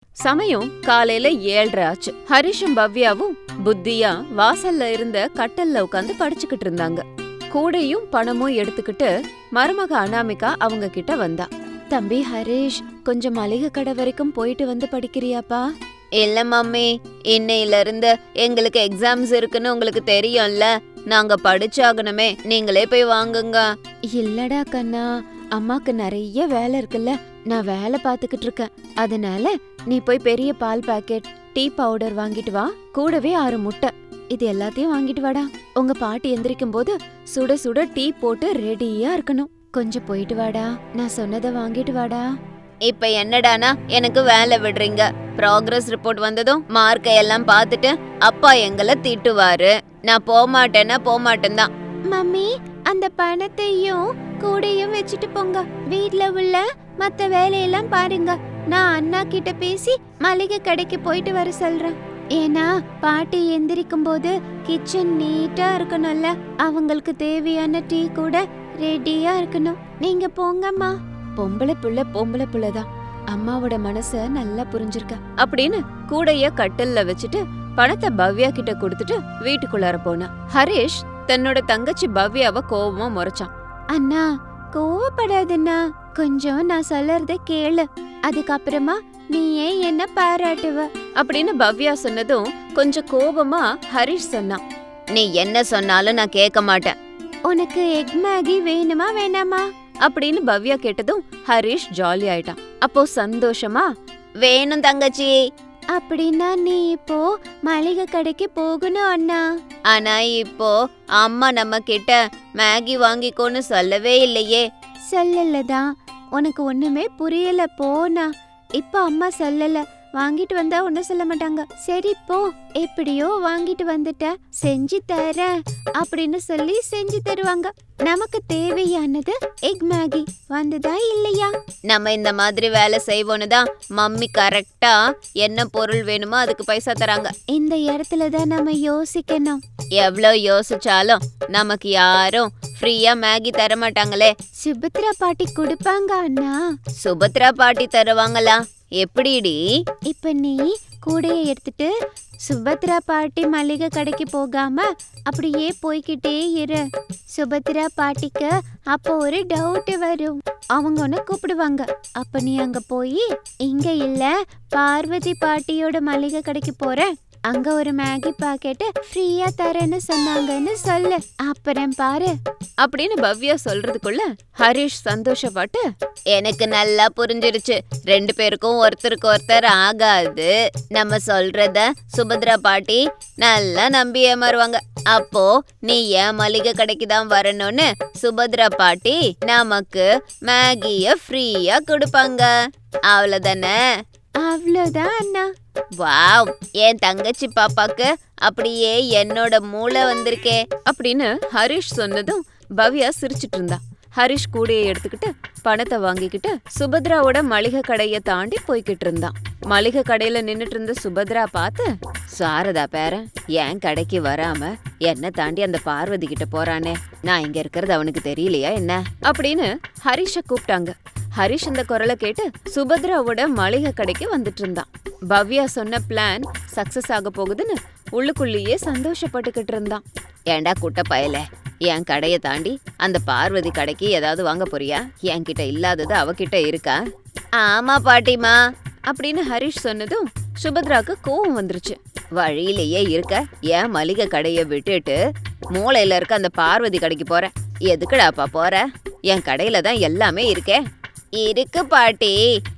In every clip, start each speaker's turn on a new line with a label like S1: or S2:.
S1: சமயம் காலையில 7:30 ஆச்சு. ஹரிஷும் பவ்யாவும் புத்தியா வாசல்ல இருந்த கட்டல்ல உட்காந்து படிச்சுக்கிட்டு இருந்தாங்க. கூடையும் பணமும் எடுத்துக்கிட்டு மருமக அனாமிகா அவங்க கிட்ட வந்தா. தம்பி ஹரிஷ், கொஞ்சம் மளிகை கடை வரைக்கும் போயிட்டு வந்து படிக்கிறியாப்பா? இல்ல மம்மி, இன்னையில இருந்து எங்களுக்கு எக்ஸாம்ஸ் இருக்குன்னு உங்களுக்கு தெரியும்ல, நாங்க படிச்சாகணுமே, நீங்களே போய் வாங்குங்க. இல்லடா கண்ணா, அம்மாக்கு நிறைய வேலை இருக்குல்ல, நான் வேலை பாத்துக்கிட்டு இருக்கேன். அதனால நீ போய் பெரிய பால் பாக்கெட், டீ பவுடர் வாங்கிட்டு வா, கூடவே 6 முட்டை, இது எல்லாத்தையும் வாங்கிட்டு வாடா. உங்க பாட்டி எந்திரிக்கும் போது சுட சுட டீ போட்டு ரெடியா இருக்கணும். கொஞ்சம் போயிட்டு வாடா, நான் சொன்னதை வாங்கிட்டு வாடா. இப்ப என்னடானா எனக்கு வேலை விடுறீங்க? ப்ராக்ரஸ் ரிப்போர்ட் வந்ததும் மார்க்கை எல்லாம் பார்த்துட்டு அப்பா எங்களை திட்டுவாரு. நான் போமாட்டேன் தான். மம்மி, அந்த பணத்தையும் கூடையும் வச்சுட்டு போங்க, வீட்ல உள்ள மத்த வேலையெல்லாம் பாருங்க. நான் அண்ணா கிட்ட பேசி மளிகை கடைக்கு போயிட்டு வர சொல்றேன். ஏன்னா பாட்டி எந்திரிக்கும் போது கிச்சன் நீட்டா இருக்கணும்ல, அவங்களுக்கு தேவையான டீ கூட ரெடியா இருக்கணும். நீங்க போங்கம்மா. பொம்பளை புள்ளதான், அம்மாவோட மனச நல்லா புரிஞ்சிருக்க அப்படின்னு கூடைய கட்டல்ல வச்சுட்டு பணத்தை பவ்யா கிட்ட கொடுத்துட்டு வீட்டுக்குள்ளார போனா. ஹரிஷ் தன்னோட தங்கச்சி பவ்யாவை கோவமா முறைச்சான். அண்ணா, கோவப்படாதுண்ணா, கொஞ்சம் நான் சொல்றத கேளு, அதுக்கப்புறமா நீ ஏன் என்ன பாராட்டுவ அப்படின்னு பவ்யா சொன்னதும் கொஞ்சம் கோபமா ஹரிஷ் சொன்னான். நீ என்ன சொன்னாலும் நான் கேட்க மாட்டேன். உனக்கு எக் மேகி வேணுமா வேணாமா அப்படின்னு பவ்யா கேட்டதும் ஹரிஷ் ஜாலி ஆயிட்டான். அப்போ சந்தோஷமா, வேணும் தங்கச்சி. அப்படின்னா நீ இப்போ மளிகை கடைக்கு போகணும் அண்ணா. ஆனா இப்போ அம்மா நம்ம கிட்ட மேகி வாங்கிக்கோன்னு சொல்லவே இல்லையே. சொல்லலதான், உனக்கு ஒண்ணுமே புரியல போனா. இப்ப அம்மா சொல்லல, வாங்கிட்டு வந்தா ஒன்னும் சொல்ல மாட்டாங்க. சரி போ, எப்படியோ வாங்கிட்டு வந்துட்ட, செஞ்சு தரேன் அப்படின்னு சொல்லி செஞ்சு தருவாங்க. நமக்கு தேவையானது எக் மேகி வந்துதா இல்லையா? நம்ம இந்த மாதிரி வேலை செய்வோன்னு தான் மம்மி கரெக்டா என்ன பொருள் வேணுமோ அதுக்கு பைசா தராங்க. இந்த இடத்துலதான் நம்ம யோசிக்கணும். எவ்வளோ யோசிச்சாலும் நமக்கு யாரும் ஃப்ரீயா மேகி தர மாட்டாங்களே. சுபத்ரா பாட்டி கொடுப்பாங்க அண்ணா. சுபத்ரா பாட்டி தருவாங்களா? எப்படிடி? இப்ப நீ கூடைய எடுத்துட்டு சுபத்ரா பாட்டி மளிகை கடைக்கு போகாம அப்படியே போய்கிட்டே இரு. சுபத்ரா பாட்டிக்கு அப்போ ஒரு டவுட் வரும், அவங்க உன்னை கூப்பிடுவாங்க. அப்ப நீ அங்க போய், இங்க இல்ல பார்வதி பாட்டியோட மளிகை கடைக்கு போறேன், அங்க ஒரு மேகி பாக்கெட் ஃப்ரீயா தரேன்னு சொன்னாங்கன்னு சொல்லு, அப்புறம் பாரு அப்படின்னு பவ்யா சொல்றதுக்குள்ள ஹரிஷ் சந்தோஷப்பட்டு, எனக்கு நல்லா புரிஞ்சிருச்சு, 2 பேருக்கும் ஒருத்தருக்கு ஒருத்தர் ஆகாது, நம்ம சொல்றத சுபத்ரா பாட்டி நல்லா நம்பி ஏமாறுவாங்க. அப்போ நீ ஏன் மளிகை கடைக்கு தான் வரணும்னு சுபத்ரா பாட்டி நமக்கு மேகிய ஃப்ரீயா கொடுப்பாங்க. அவ்வளவுதானே? அவ்வளவுதான் அண்ணா. வாவ், என் தங்கச்சி பாப்பாக்கு அப்படியே என்னோட மூளை வந்திருக்கே அப்படின்னு ஹரிஷ் சொன்னதும் பவ்யா சிரிச்சிட்டு இருந்தா. ஹரிஷ் கூடையை எடுத்துக்கிட்டு பணத்தை வாங்கிக்கிட்டு சுபத்ராவோட மளிகை கடைய தாண்டி போய்கிட்டு இருந்தான். மளிகை கடையில நின்னுட்டு இருந்த சுபத்ரா பார்த்து, சாரதா பேரன் என் கடைக்கு வராம என்ன தாண்டி அந்த பார்வதி கிட்ட போறானே, நான் இங்க இருக்கிறது அவனுக்கு தெரியலையா என்ன அப்படின்னு ஹரிஷ கூப்பிட்டாங்க. ஹரிஷ் இந்த குரலை கேட்டு சுபத்ராவோட மளிகை கடைக்கு வந்துட்டு இருந்தான். பவ்யா சொன்ன பிளான் சக்சஸ் ஆக போகுதுன்னு உள்ளுக்குள்ளேயே சந்தோஷப்பட்டுக்கிட்டு இருந்தான். ஏண்டா குட்ட பயல, என் கடைய தாண்டி அந்த பார்வதி கடைக்கு ஏதாவது வாங்க போறியா? என்கிட்ட இல்லாதது அவகிட்ட இருக்கா? ஆமா பாட்டிமா அப்படின்னு ஹரிஷ் சொன்னதும் சுபத்ராக்கு கோவம் வந்துருச்சு. வழியிலேயே இருக்க என் மளிகை கடைய விட்டுட்டு மூளையில இருக்க அந்த பார்வதி கடைக்கு போற, எதுக்குடாப்பா போற? என் கடையில தான் எல்லாமே இருக்கே. இருக்கு பாட்டி,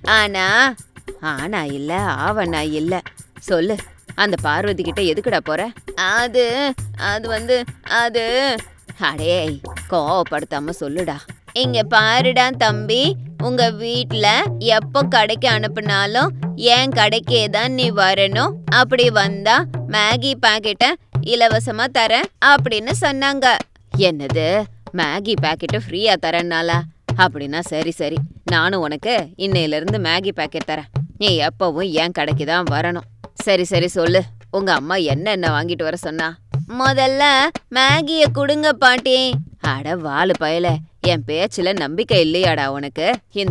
S1: ஆனா இல்ல ஆவனா இல்ல, சொல்லு, அந்த பார்வதி கிட்ட எதுக்குடா போற? அது அடே, கோவப்படுத்தாம சொல்லுடா. இங்க பாருடா தம்பி, உங்க வீட்ல எப்போ கடைக்கு அனுப்புனாலும் என் கடைக்கே தான் நீ வரணும். அப்படி வந்தா மேகி பாக்கெட்ட இலவசமா தரேன் அப்படின்னு சொன்னாங்க. என்னது, மேகி பாக்கெட்டு ஃப்ரீயா தரேன்னாலா? அப்படின்னா சரி, நானும் உனக்கு இன்னையில இருந்து மேகி பாக்கெட் தரேன். நீ எப்பவும் என் கடைக்கு தான் வரணும். சரி சொல்லு, உங்க அம்மா என்ன வாங்கிட்டு வர சொன்னா? முதல்ல மேகிய குடுங்க பாட்டி. அட வாலு பயல, என் பேச்சுல நம்பிக்கை இல்லையாடா உனக்கு? இந்தா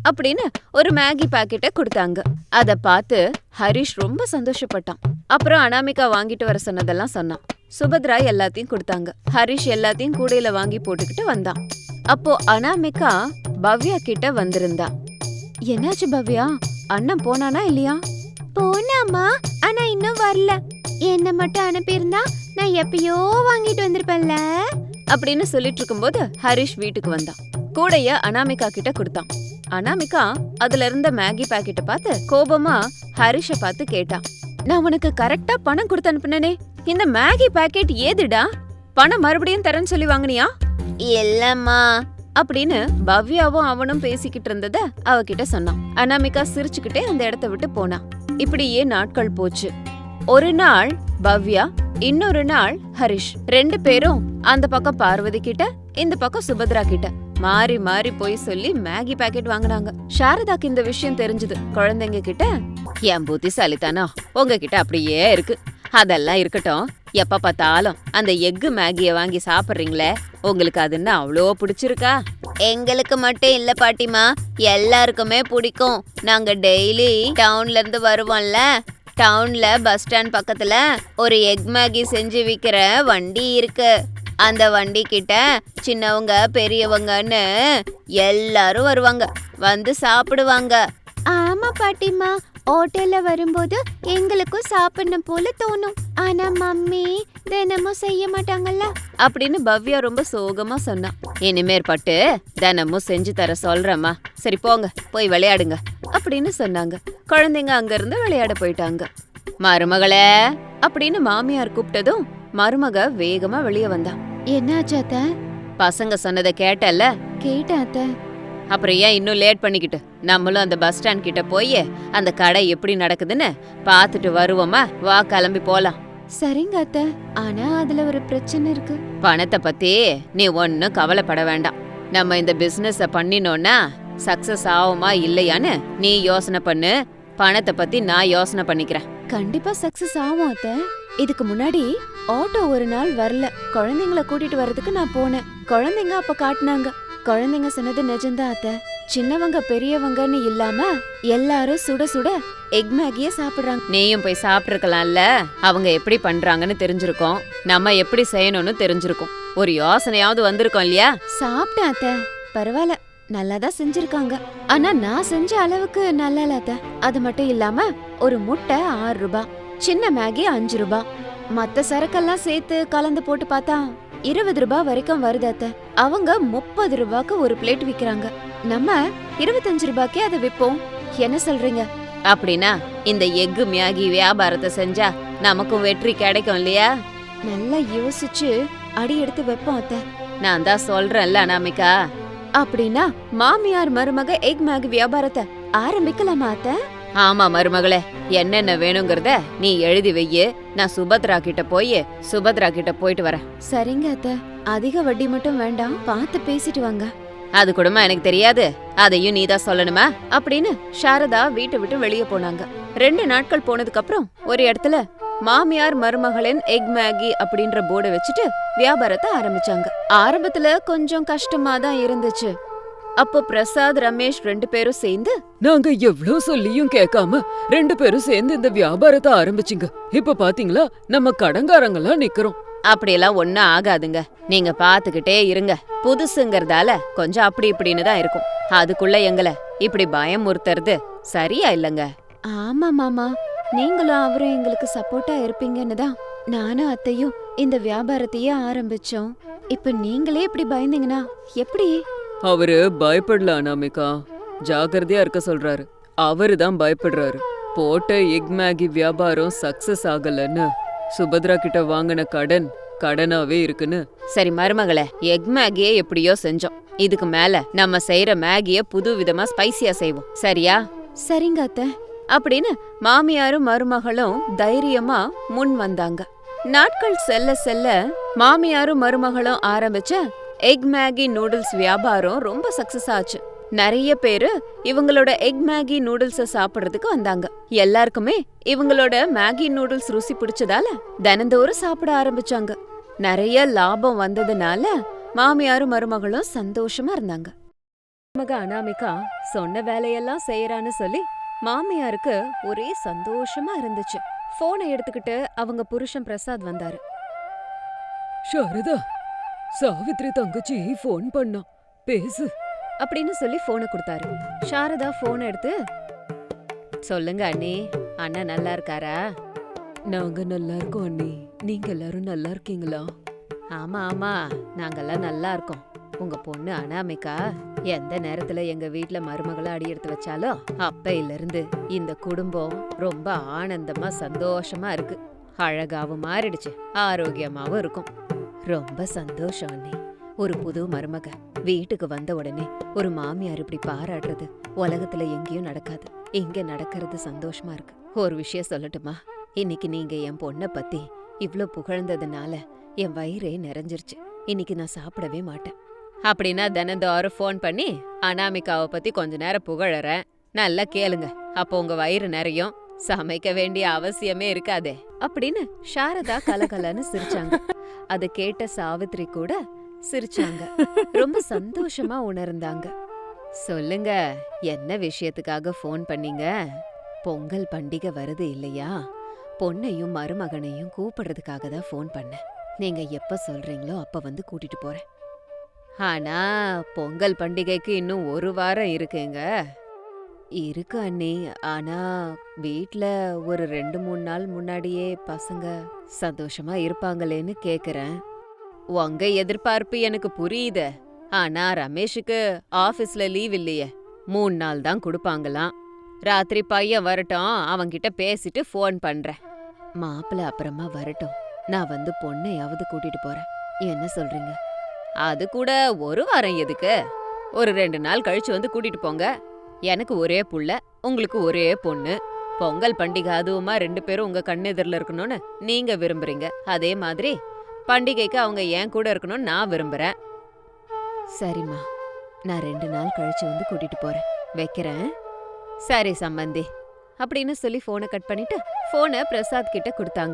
S1: அப்படின்னு ஒரு மேகி பாக்கெட்டை கொடுத்தாங்க. அத பார்த்து ஹரிஷ் ரொம்ப சந்தோஷப்பட்டான். அப்புறம் அனாமிகா வாங்கிட்டு வர சொன்னதெல்லாம் சொன்னான். சுபத்ரா எல்லாத்தையும் கொடுத்தாங்க. ஹரிஷ் எல்லாத்தையும் கூடையில வாங்கி போட்டுக்கிட்டு வந்தான். அப்போ அனாமிகா பவ்யா கிட்ட வந்திருந்தா. என்னாச்சு பவ்யா, அண்ணன் போனானா இல்லையா? போனாமா, ஆனா இன்னும் வரல. என்ன மட்டும் அனுப்பியிருந்தா நான் எப்பயோ வாங்கிட்டு வந்திருப்பேன்ல அப்படின்னு சொல்லிட்டு இருக்கும்போது ஹரிஷ் வீட்டுக்கு வந்தான். கூடைய அனாமிகா கிட்ட கொடுத்தான். அனாமிகா அதுல இருந்த மேகி பாக்கெட்டை பார்த்து கோபமா ஹரிஷ பார்த்து கேட்டான். நான் உனக்கு கரெக்டா பணம் கொடுத்து அனுப்புனே, இந்த மேகி பாக்கெட் ஏதுடா? பணம் மறுபடியும் தரேன்னு சொல்லி வாங்கினியா? இல்லம்மா அப்படின்னு பவ்யாவும் அவனும் பேசிக்கிட்டு இருந்தத அவகிட்ட சொன்னான். அனாமிகா சிரிச்சுக்கிட்டே அந்த இடத்த விட்டு போனா. இப்படியே நாட்கள் போச்சு. ஒரு நாள் பவ்யா, இன்னொரு நாள் ஹரிஷ், 2 பேரும் அந்த பக்கம் பார்வதி கிட்ட, இந்த பக்கம் சுபத்ரா கிட்ட மாறி மாறி போய் சொல்லி மேகி பாக்கெட் வாங்கினாங்க. சாரதாக்கு இந்த விஷயம் தெரிஞ்சது. குழந்தைங்க கிட்ட, என் புத்திசாலித்தானா உங்ககிட்ட அப்படியே இருக்கு, அதெல்லாம் இருக்கட்டும், எப்ப பார்த்தாலும் அந்த எக்கு மேகிய வாங்கி சாப்பிடுறீங்களே, உங்களுக்கு அதுன்னு அவ்வளோ பிடிச்சிருக்கா? எங்களுக்கு மட்டும் இல்ல பாட்டிமா, எல்லாருக்குமே பிடிக்கும். நாங்க டெய்லி டவுன்ல இருந்து வருவோம்ல, டவுன்ல பஸ் ஸ்டாண்ட் பக்கத்துல ஒரு எக் மேகி செஞ்சு விக்கிற வண்டி இருக்கு. அந்த வண்டி கிட்ட சின்னவங்க பெரியவங்கன்னு எல்லாரும் வருவாங்க, வந்து சாப்பிடுவாங்க. ஆமா பாட்டிமா, ஹோட்டல்ல வரும்போது எங்களுக்கும் சாப்பிடணும் போல தோணும். ஆனா மம்மி தினமும் செய்ய மாட்டாங்கல்ல அப்படின்னு பவ்யா ரொம்ப சோகமா சொன்னா. இனிமேற்பட்டு தினமும் செஞ்சு தர சொல்றேம்மா, சரி போங்க போய் விளையாடுங்க அப்படின்னு சொன்னாங்க. குழந்தைங்க அங்க இருந்து விளையாட போயிட்டாங்க. மருமகளே அப்படின்னு மாமியார் கூப்பிட்டதும் மருமக வேகமா வெளியே வந்தா. என்னாச்சு அத்த? பசங்க சொன்னதை கேட்டல்ல? கேட்டேன் அத்த. அப்புறம் ஏன் இன்னும் லேட் பண்ணிக்கிட்டு, நம்மளும் அந்த பஸ் ஸ்டாண்ட் கிட்ட போய் அந்த கடை எப்படி நடக்குதுன்னு பாத்துட்டு வருவோமா? வா கிளம்பி போலாம். சரிங்க அத்த, ஆனா அதுல ஒரு பிரச்சனை இருக்கு. பணத்தை பத்தி நீ ஒன்னும் கவலைப்பட வேண்டாம். நம்ம இந்த பிசினஸ பண்ணினோம்னா சக்சஸ் ஆகுமா இல்லையான்னு நீ யோசனை பண்ணு, பணத்தை பத்தி நான் யோசனை பண்ணிக்கிறேன். கண்டிப்பா சக்சஸ் ஆகும் அத்த. இதுக்கு முன்னாடி ஆட்டோ ஒரு நாள் வரல, குழந்தைங்களை கூட்டிட்டு வர்றதுக்கு நான் போனேன். குழந்தைங்க அப்ப காட்டுனாங்க. குழந்தைங்க சொன்னது நிஜம்தான் அத்த. சின்னவங்க பெரியவங்கன்னு இல்லாம எல்லாரும் சுட சுட எக் மேகிய சாப்பிடுறாங்க. நீயும் போய் சாப்பிட்டுருக்கலாம்ல, அவங்க எப்படி பண்றாங்கன்னு தெரிஞ்சிருக்கோம், நம்ம எப்படி செய்யணும்னு தெரிஞ்சிருக்கோம், ஒரு யோசனையாவது வந்திருக்கோம் இல்லையா? சாப்பிட்டேன் அத்த, பரவாயில்ல, நல்லாதான் செஞ்சிருக்காங்க. ஆனா நான் செஞ்ச அளவுக்கு நல்லா இல்ல அத்த. அது மட்டும் இல்லாம ஒரு முட்டை 6 ரூபாய், சின்ன மேகி 5 ரூபாய், மத்த சரக்கெல்லாம் சேர்த்து கலந்து போட்டு பார்த்தா 20 ரூபாய் வரைக்கும் வருது அத்த. அவங்க 30 ரூபாய்க்கு ஒரு பிளேட் விக்கிறாங்க, நம்ம 25 ரூபாய்க்கே அதை விப்போம். என்ன சொல்றீங்க? அப்படின்னா இந்த எக்கு மேகி வியாபாரத்தை செஞ்சா நமக்கும் வெற்றி கிடைக்கும் இல்லையா? நல்லா யோசிச்சு அடி எடுத்து வைப்போம் அத்த. நான் தான் சொல்றேன்ல அனாமிகா. அப்படின்னா மாமியார் மருமக எக் மேகி வியாபாரத்தை ஆரம்பிக்கலாமா அத்த? ஆமா மருமகளே, என்னென்ன வேணுங்கிறத நீ எழுதி வையே, நான் சுபத்ரா கிட்ட போயிட்டு வரேன். சரிங்க அத்த, அதிக வட்டி மட்டும் வேண்டாம், பார்த்து பேசிட்டு வாங்க. அது கூடமா எனக்கு தெரியாது, அதையும் நீதான் சொல்லணுமா அப்படின்னு சாரதா வீட்டை விட்டு வெளியே போனாங்க. 2 நாட்கள் போனதுக்கு அப்புறம் ஒரு இடத்துல மாமியார் மருமகளின் எக் மேகி அப்படின்ற போர்டை வச்சுட்டு வியாபாரத்தை ஆரம்பிச்சாங்க. ஆரம்பத்துல கொஞ்சம் கஷ்டமா தான் இருந்துச்சு. அப்போ பிரசாத், ரமேஷ் 2 பேரும் சேர்ந்து,
S2: நாங்க எவ்ளோ சொல்லியும் கேட்காம 2 பேரும் சேர்ந்து இந்த வியாபாரத்தை ஆரம்பிச்சிங்க. இப்ப பாத்தீங்களா நம்ம கடங்காரங்கெல்லாம் நிக்கிறோம்.
S1: அப்படியெல்லாம் ஒன்னும் ஆகாதுங்க, நீங்க பாத்துக்கிட்டே இருங்க. புதுசுங்கறதால கொஞ்சம் அப்படி இப்படின்னு தான் இருக்கும், அதுக்குள்ள எங்களை இப்படி பயமுறுத்துறது சரியா இல்லங்க. ஆமா மாமா, நீங்களும் அவரும் எங்களுக்கு சப்போர்ட்டா இருப்பீங்கன்னு தான் நானும் அத்தையும் இந்த வியாபாரத்தையே ஆரம்பிச்சோம். இப்ப நீங்களே இப்படி பயந்தீங்கன்னா எப்படி?
S2: அவரு பயப்படல அனாமிகா, ஜாகிரதையா இருக்க சொல்றாரு. அவரு தான் பயப்படுறாரு. போட்ட எக் மேகி வியாபாரம் சக்சஸ் ஆகலன்னு சுபத்ரா கிட்ட வாங்கின கடனாவே இருக்குன்னு.
S1: சரி மருமகளே, எக் மேகியே எப்படியோ செஞ்சோம், இதுக்கு மேல நம்ம செய்யற மேகிய புது விதமா ஸ்பைசியா செய்வோம், சரியா? சரிங்க அத்தை அப்படின்னு மாமியாரும் மருமகளும் தைரியமா முன் வந்தாங்க. நாட்கள் செல்ல செல்ல மாமியாரும் மருமகளும் ஆரம்பிச்ச எக் மேகி நூடுல்ஸ் வியாபாரம் ரொம்ப சக்சஸ் ஆச்சு. நிறைய பேரு இவங்களோட எக் மேகி நூடுல்ஸ சாப்பிடுறதுக்கு வந்தாங்க. எல்லாருக்குமே இவங்களோட மேகி நூடுல்ஸ் ருசி பிடிச்சதால தினந்தோறும் சாப்பிட ஆரம்பிச்சாங்க. நிறைய லாபம் வந்ததுனால மாமியாரும் மருமகளும் சந்தோஷமா இருந்தாங்க. மக அனாமிகா சொன்ன வேலையெல்லாம் செய்யறான்னு சொல்லி மாமியாருக்கு ஒரே சந்தோஷமா இருந்துச்சு. போனை எடுத்துக்கிட்டு அவங்க புருஷன் பிரசாத் வந்தாரு.
S2: சாரதா, சாவித்ரி தங்கச்சி ஃபோன் பண்ணா, பேசு
S1: அப்படின்னு சொல்லி போனை கொடுத்தாரு. சாரதா போனை எடுத்து, சொல்லுங்க அண்ணி, அண்ணன் நல்லா இருக்காரா?
S2: நாங்க நல்லா இருக்கோம் அண்ணி, நீங்க எல்லாரும் நல்லா இருக்கீங்களா?
S1: ஆமா ஆமா, நாங்கெல்லாம் நல்லா இருக்கோம். உங்க பொண்ணு அனாமிகா எந்த நேரத்துல எங்க வீட்ல மருமகளை அடி எடுத்து வச்சாலும் அப்பையில இருந்து இந்த குடும்பம் ரொம்ப ஆனந்தமா சந்தோஷமா இருக்கு. அழகாவும் மாறிடுச்சு, ஆரோக்கியமாவும் இருக்கும். ரொம்ப சந்தோஷம் அண்ணி. ஒரு புது மருமக வீட்டுக்கு வந்த உடனே ஒரு மாமியார் இப்படி பாராட்டுறது உலகத்துல எங்கேயும் நடக்காது. இங்க நடக்கிறது சந்தோஷமா இருக்கு. ஒரு விஷயம் சொல்லட்டுமா? இன்னைக்கு நீங்க என் பொண்ண பத்தி இவ்ளோ புகழ்ந்ததுனால என் வயிறே நிறைஞ்சிருச்சு. இன்னைக்கு நான் சாப்பிடவே மாட்டேன். அப்படின்னா தினந்தோறும் ஃபோன் பண்ணி அனாமிகாவை பத்தி கொஞ்ச நேரம் புகழறேன், நல்லா கேளுங்க. அப்போ உங்க வயிறு நிறையும், சமைக்க வேண்டிய அவசியமே இருக்காதே அப்படின்னு சாரதா கலகலன்னு சிரிச்சாங்க. அத கேட்ட சாவித்ரி கூட சிரிச்சாங்க. ரொம்ப சந்தோஷமா உணர்ந்தாங்க. சொல்லுங்க, என்ன விஷயத்துக்காக ஃபோன் பண்ணீங்க? பொங்கல் பண்டிகை வருது இல்லையா? பொண்ணையும் மருமகனையும் கூப்பிடுறதுக்காக தான் ஃபோன் பண்ணேன். நீங்க எப்ப சொல்றீங்களோ அப்ப வந்து கூட்டிட்டு போறேன். ஆனா பொங்கல் பண்டிகைக்கு இன்னும் ஒரு வாரம் இருக்குங்க. இருக்கு அண்ணி, ஆனா வீட்ல ஒரு 2-3 நாள் முன்னாடியே பசங்க சந்தோஷமா இருப்பாங்களேன்னு கேக்குறேன். உங்க எதிர்பார்ப்பு எனக்கு புரியுது. ஆனா ரமேஷுக்கு ஆபீஸ்ல லீவ் இல்லையே, 3 நாள் தான் கொடுப்பாங்களாம். ராத்திரி பையன் வரட்டும், அவன்கிட்ட பேசிட்டு ஃபோன் பண்றேன். மாப்பிள்ள அப்புறமா வரட்டும், நான் வந்து பொண்ணையாவது கூட்டிட்டு போறேன். என்ன சொல்றீங்க? அது கூட ஒரு வாரம் எதுக்கு? ஒரு 2 நாள் கழிச்சு வந்து கூட்டிட்டு போங்க. எனக்கு ஒரே புள்ள, உங்களுக்கு ஒரே பொண்ணு. பொங்கல் பண்டிகை அதுவுமா 2 பேரும் உங்க கண்ணெதிரில் இருக்கணும்னு நீங்க விரும்புறீங்க. அதே மாதிரி பண்டிகைக்கு அவங்க என் கூட இருக்கணும்னு நான் விரும்புறேன். சரிம்மா, நான் 2 நாள் கழிச்சு வந்து கூட்டிட்டு போறேன். வைக்கிறேன். சரி சம்பந்தி அப்படின்னு சொல்லி போனை கட் பண்ணிட்டு போனை பிரசாத் கிட்ட கொடுத்தாங்க.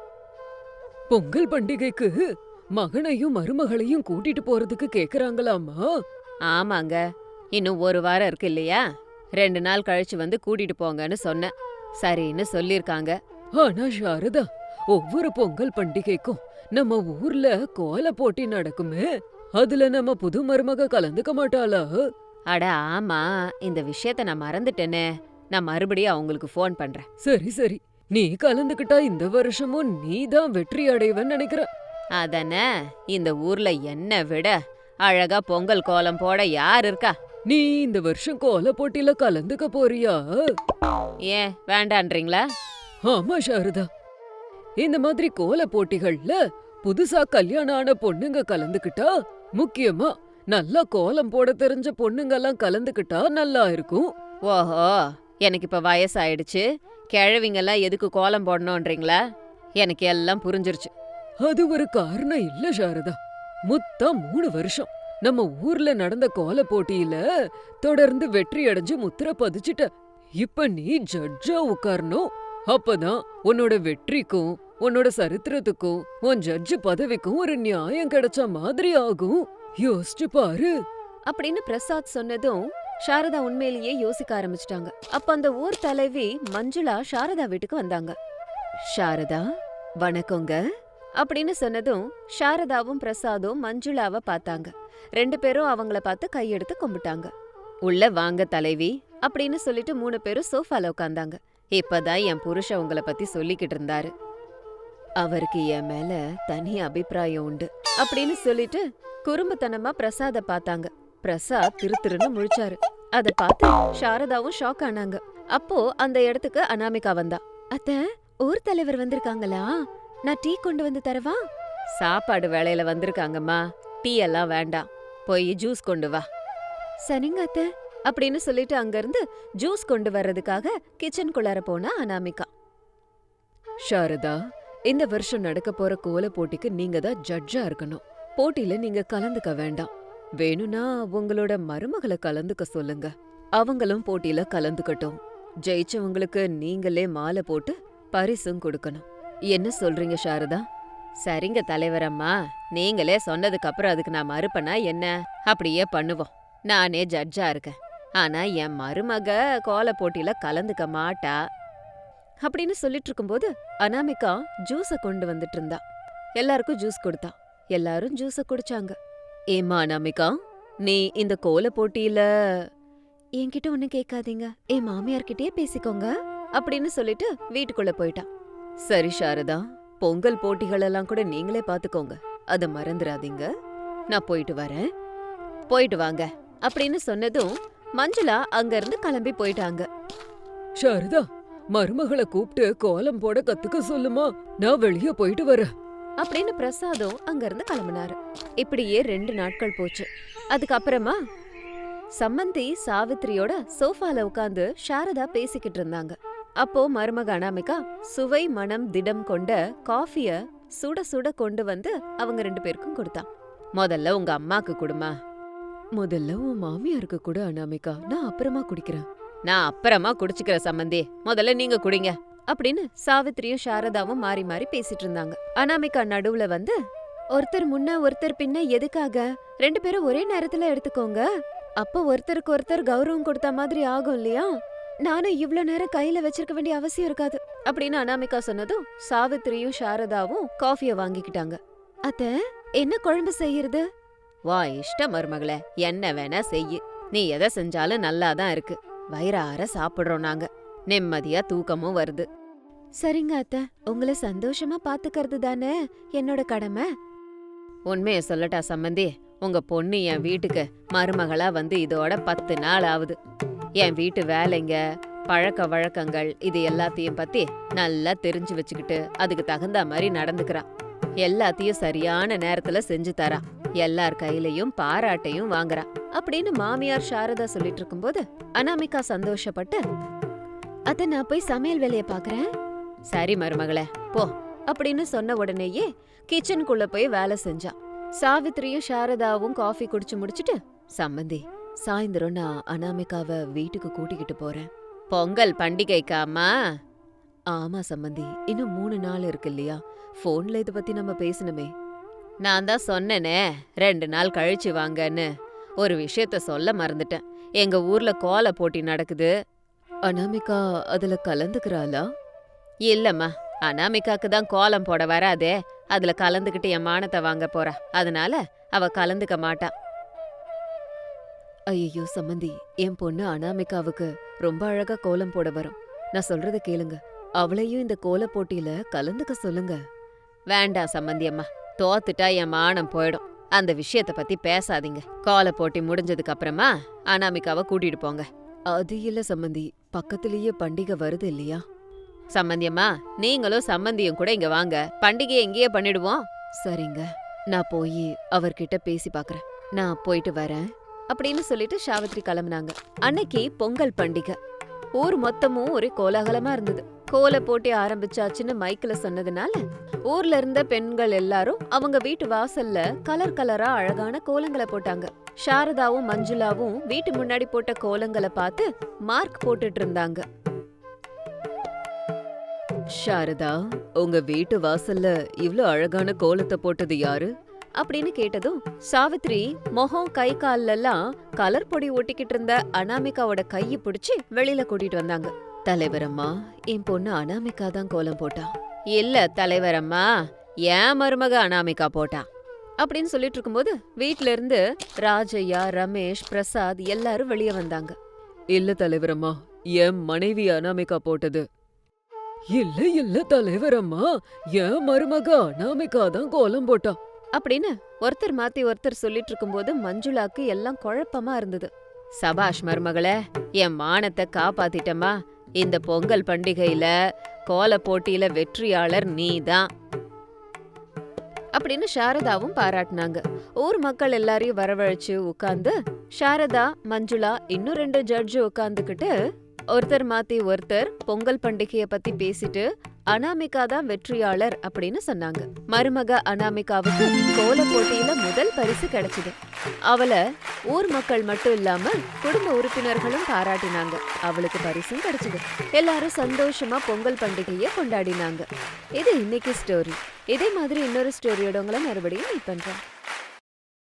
S2: பொங்கல் பண்டிகைக்கு மகனையும் மருமகளையும் கூட்டிட்டு போறதுக்கு கேக்குறாங்களாமா?
S1: ஆமாங்க, இன்னும் ஒரு வாரம் இருக்கு இல்லையா? 2 நாள் கழிச்சு வந்து கூட்டிட்டு போங்கன்னு சொன்னேன். சரின்னு சொல்லிருக்காங்க.
S2: ஆனா சாரதா, ஒவ்வொரு பொங்கல் பண்டிகைக்கும் நம்ம ஊர்ல கோல போட்டி நடக்குமே, அதுல நம்ம புது மருமக கலந்துக்க மாட்டாளா?
S1: அட ஆமா, இந்த விஷயத்த நான் மறந்துட்டேனே. நான் மறுபடியும் அவங்களுக்கு ஃபோன் பண்றேன்.
S2: சரி சரி, நீ கலந்துக்கிட்டா இந்த வருஷமும் நீதான் வெற்றி அடைவன்னு நினைக்கிறேன்.
S1: அதனே, இந்த ஊர்ல என்ன விட அழகா பொங்கல் கோலம் போட யார் இருக்கா?
S2: நீ இந்த வருஷம் கோல போட்டியில கலந்துக்க போறியா?
S1: ஏன் வேண்டான்றீங்களா?
S2: ஆமா சாரதா, இந்த மாதிரி கோல போட்டிகள்ல புதுசா கல்யாணம் ஆன பொண்ணுங்க கலந்துக்கிட்டா, முக்கியமா நல்லா கோலம் போட தெரிஞ்ச பொண்ணுங்கெல்லாம் கலந்துக்கிட்டா நல்லா இருக்கும்.
S1: ஓஹோ, எனக்கு இப்ப வயசாயிடுச்சு, கிழவிங்கெல்லாம் எதுக்கு கோலம் போடணும்ன்றீங்களா? எனக்கு எல்லாம் புரிஞ்சிருச்சு.
S2: அது ஒரு காரணம் இல்ல சாரதா. மொத்தம் 3 வருஷம் நம்ம ஊர்ல நடந்த கோல போட்டியில தொடர்ந்து வெற்றி அடைஞ்சு முத்திர பதிச்சுட்ட. இப்ப நீ ஜட்ஜா உட்காரணும். அப்பதான் உன்னோட வெற்றிக்கும் உன்னோட சரித்திரத்துக்கும் உன் ஜட்ஜு பதவிக்கும் ஒரு நியாயம் கிடைச்ச மாதிரி ஆகும். யோசிச்சு பாரு
S1: அப்படின்னு பிரசாத் சொன்னதும் சாரதா உண்மையிலேயே யோசிக்க ஆரம்பிச்சிட்டாங்க. அப்ப அந்த ஊர் தலைவி மஞ்சுளா சாரதா வீட்டுக்கு வந்தாங்க. சாரதா, வணக்கங்க அப்படின்னு சொன்னதும் சாரதாவும் பிரசாதும் மஞ்சுளாவை பார்த்தாங்க. 2 பேரும் அவங்கள பார்த்து கையெடுத்து கும்பிட்டாங்க. உள்ள வாங்க தலைவி அப்படின்னு சொல்லிட்டு 3 பேரும் சோஃபால உட்காந்தாங்க. இப்பதான் என் புருஷன் உங்களை பத்தி சொல்லிக்கிட்டு இருந்தாரு. அவருக்கு என் மேல தனி அபிப்பிராயம் உண்டு அப்படின்னு சொல்லிட்டு குறும்புத்தனமா பிரசாத பார்த்தாங்க. பிரசாத் திருன்னு முழிச்சாரு. அத பார்த்து சாரதாவும் ஷாக் ஆனாங்க. அப்போ அந்த இடத்துக்கு அனாமிகா வந்தா. அத்த, ஊர் தலைவர் வந்திருக்காங்களா? நான் டீ கொண்டு வந்து தரவா? சாப்பாடு வேளையில வந்திருக்காங்கம்மா, டீ எல்லாம் வேண்டாம், போய் ஜூஸ் கொண்டு வா. சரிங்க அத்த அப்படின்னு சொல்லிட்டு அங்கிருந்து ஜூஸ் கொண்டு வர்றதுக்காக கிச்சனுக்குள்ளார போனா அனாமிகா.
S2: சாரதா, இந்த வருஷம் நடக்க போற கோல போட்டிக்கு நீங்க தான் ஜட்ஜா இருக்கணும். போட்டியில நீங்க கலந்துக்க வேண்டாம். வேணும்னா உங்களோட மருமகளை கலந்துக்க சொல்லுங்க. அவங்களும் போட்டியில கலந்துக்கட்டும். ஜெயிச்சவங்களுக்கு நீங்களே மாலை போட்டு பரிசும் கொடுக்கணும். என்ன சொல்றீங்க சாரதா? சரிங்க தலைவரம்மா, நீங்களே சொன்னதுக்கு அப்புறம் அதுக்கு நான் மறுப்பனா என்ன? அப்படியே பண்ணுவோம்.
S1: நானே ஜட்ஜா இருக்கேன். ஆனா என் மருமக கோல போட்டியில கலந்துக்க மாட்டா அப்படின்னு சொல்லிட்டு இருக்கும்போது அனாமிகா ஜூஸ கொண்டு வந்துட்டு இருந்தா. எல்லாருக்கும் ஜூஸ் கொடுத்தா. எல்லாரும் ஜூஸ குடிச்சாங்க. ஏம்மா அனாமிகா, நீ இந்த கோல போட்டியில என்கிட்ட ஒண்ணு கேட்காதீங்க, என் மாமியார்கிட்டயே பேசிக்கோங்க அப்படின்னு சொல்லிட்டு வீட்டுக்குள்ள போயிட்டான். சரி சாரதா, பொங்கல் போட்டிகள் எல்லாம் கூட நீங்களே பாத்துக்கோங்க, அத மறந்துடாதீங்க. நான் போயிட்டு வரேன். போயிட்டு வாங்க அப்படின்னு சொன்னதும் மஞ்சுளா அங்க இருந்து கிளம்பி போயிட்டாங்க.
S2: சாரதா, மருமகளை கூப்பிட்டு கோலம் போட கத்துக்க சொல்லுமா, நான் வெளியே போயிட்டு வரேன்
S1: அப்படின்னு பிரசாதும் அங்க இருந்து கிளம்பினாரு. இப்படியே 2 நாட்கள் போச்சு. அதுக்கப்புறமா சம்மந்தி சாவித்திரியோட சோஃபால உட்கார்ந்து சாரதா பேசிக்கிட்டு இருந்தாங்க. அப்போ மருமக அனாமிகா சுவை மனம் திடம் கொண்ட காஃபிய சுட சுட கொண்டு வந்து அவங்க 2 பேருக்கும் கொடுத்தான். முதல்ல உங்க அம்மாக்கு குடுமா. முதல்ல உன் மாமியாருக்கு கூட அனாமிகா, நான் அப்புறமா குடிக்கிறேன். நான் அப்புறமா குடிச்சுக்கிற சம்மந்தி, முதல்ல நீங்க குடிங்க அப்படின்னு சாவித்திரியும் சாரதாவும் மாறி மாறி பேசிட்டு இருந்தாங்க. அனாமிகா நடுவுல வந்து, ஒருத்தர் முன்ன ஒருத்தர் பின்ன எதுக்காக, 2 பேரும் ஒரே நேரத்துல எடுத்துக்கோங்க, அப்ப ஒருத்தருக்கு ஒருத்தர் கௌரவம் கொடுத்த மாதிரி ஆகும் இல்லையா, நானும் இவ்ளோ நேரம் கையில வச்சிருக்க வேண்டிய அவசியம் இருக்காது அப்படின்னு அனாமிகா சொன்னதும் சாவித்திரியும் சாரதாவும் காஃபிய வாங்கிக்கிட்டாங்க. அத்த, என்ன குழம்பு செய்யறது? வா இஷ்ட மருமகளே, என்ன வேணா செய்யு, நீ எதை செஞ்சாலும் நல்லாதான் இருக்கு, வயிறார சாப்பிடுறோம் நாங்க, நிம்மதியா தூக்கமும் வருது. சரிங்க அத்த, உங்களை சந்தோஷமா பாத்துக்கிறது தானே என்னோட கடமை. உண்மைய சொல்லட்டா சம்மந்தி, உங்க பொண்ணு என் வீட்டுக்கு மருமகளா வந்து இதோட 10 நாள் ஆகுது. என் வீட்டு வேலைங்க, பழக்க வழக்கங்கள் இது எல்லாத்தையும் பத்தி நல்லா தெரிஞ்சு வச்சுக்கிட்டு அதுக்கு தகுந்த மாதிரி நடந்துக்கிறா. எல்லாத்தையும் சரியான நேரத்துல செஞ்சு தரா. எல்லார் கையிலயும் பாராட்டையும் வாங்குறா அப்படின்னு மாமியார் சாரதா சொல்லிட்டு இருக்கும்போது அனாமிகா சந்தோஷப்பட்டு, அத நான் போய் சமையல் வேலைய பாக்குறேன். சரி மருமகளே போ அப்படின்னு சொன்ன உடனேயே கிச்சனுக்குள்ள போய் வேலை செஞ்சா. சாவித்திரியும் சாரதாவும் காஃபி குடிச்சு முடிச்சிட்டு, சம்மந்தி சாயந்தரம் நான் அனாமிகாவை வீட்டுக்கு கூட்டிக்கிட்டு போறேன். பொங்கல் பண்டிகைக்கா அம்மா? ஆமா சம்மந்தி, இன்னும் 3 நாள் இருக்கு இல்லையா, போன்ல இத பத்தி நம்ம பேசணுமே. நான் தான் சொன்னேனே 2 நாள் கழிச்சு வாங்கன்னு. ஒரு விஷயத்த சொல்ல மறந்துட்டேன், எங்க ஊர்ல கோல போட்டி நடக்குது. அனாமிகா அதுல கலந்துக்கிறாளா? இல்லம்மா, அனாமிகாக்கு தான் கோலம் போட வராதே, அதுல கலந்துக்கிட்டு என் மானத்தை வாங்க போறா, அதனால அவ கலந்துக்க மாட்டா. ஐயோ சம்மந்தி, என் பொண்ணு அனாமிகாவுக்கு ரொம்ப அழகா கோலம் போட வரும், நான் சொல்றத கேளுங்க, அவளையும் இந்த கோல போட்டியில கலந்துக்க சொல்லுங்க. வேண்டாம் சம்மந்தி அம்மா, தோத்துட்டா என் மானம் போயிடும், அந்த விஷயத்த பத்தி பேசாதீங்க. கோல போட்டி முடிஞ்சதுக்கு அப்புறமா அனாமிகாவை கூட்டிட்டு போங்க. அது இல்ல சம்மந்தி, பக்கத்திலேயே பண்டிகை வருது இல்லையா. சம்மந்தியம்மா, நீங்களும் சம்மந்தியும் கூட இங்க வாங்க, பண்டிகையை இங்கேயே பண்ணிடுவோம். சரிங்க, நான் போய் அவர்கிட்ட பேசி பாக்குறேன், நான் போயிட்டு வரேன் அப்படின்னு சொல்லிட்டு சாவித்திரி கிளம்புனாங்க. அன்னைக்கு பொங்கல் பண்டிகை. ஊர் மொத்தமும் ஒரே கோலாகலமா இருந்தது. கோல போட்டி ஆரம்பிச்சாச்சுன்னு மைக்ல சொன்னதுனால ஊர்ல இருந்த பெண்கள் எல்லாரும் அவங்க வீட்டு வாசல்ல கலர் கலரா அழகான கோலங்களை போட்டாங்க. சாரதாவும் மஞ்சுளாவும் வீட்டு முன்னாடி போட்ட கோலங்களை பார்த்து மார்க் போட்டுட்டு இருந்தாங்க. சாரதா, உங்க வீட்டு வாசல்ல இவ்ளோ அழகான கோலத்தை போட்டது யாரு அப்படின்னு கேட்டதும் சாவித்ரி முகம் கை காலெல்லாம் கலர் பொடி ஒட்டிக்கிட்டு இருந்த அனாமிகாவோட கையை பிடிச்சு வெளியில கூட்டிட்டு வந்தாங்க. தலைவரம்மா, என் பொண்ணு அனாமிகா தான் கோலம் போட்டா. இல்ல தலைவரம்மா, ஏன் மருமக அனாமிகா போட்டா அப்படின்னு சொல்லிட்டு இருக்கும்போது வீட்ல இருந்து ராஜையா, ரமேஷ், பிரசாத் எல்லாரும் வெளியே வந்தாங்க.
S2: இல்ல தலைவரம்மா, என் மனைவி அனாமிகா போட்டது. இல்ல இல்ல தலைவரம்மா, என் மருமக அனாமிகா தான் கோலம் போட்டா
S1: அப்படின்னு ஒருத்தர் மாத்தி ஒருத்தர் சொல்லிட்டு இருக்கும்போது மஞ்சுளாக்கு எல்லாம் குழப்பமா இருந்தது. சபாஷ் மருமகளே, என் மானத்தை காப்பாத்திட்டமா, இந்த பொங்கல் பண்டிகையில கோல போட்டியில வெற்றியாளர் நீதான் அப்படின்னு சாரதாவும் பாராட்டினாங்க. ஊர் மக்கள் எல்லாரையும் வரவழைச்சு உட்கார்ந்து சாரதா, மஞ்சுளா, இன்னும் 2 ஜட்ஜு உட்கார்ந்துகிட்டு ஒருத்தர் மாத்தி ஒருத்தர் பொங்கல் பண்டிகைய பத்தி பேசிட்டு அனாமிகா தான் வெற்றியாளர் அப்படின்னு சொன்னாங்க. மருமக அனாமிகாவுக்கு கோல போட்டியில முதல் பரிசு கிடைச்சது. அவளை ஊர் மக்கள் மட்டும் இல்லாம குடும்ப உறுப்பினர்களும் பாராட்டினாங்க. அவளுக்கு பரிசும் கிடைச்சது. எல்லாரும் சந்தோஷமா பொங்கல் பண்டிகைய கொண்டாடினாங்க. இது இன்னைக்கு ஸ்டோரி. இதே மாதிரி இன்னொரு ஸ்டோரியோட உங்களை மறுபடியும் மீட் பண்றேன்.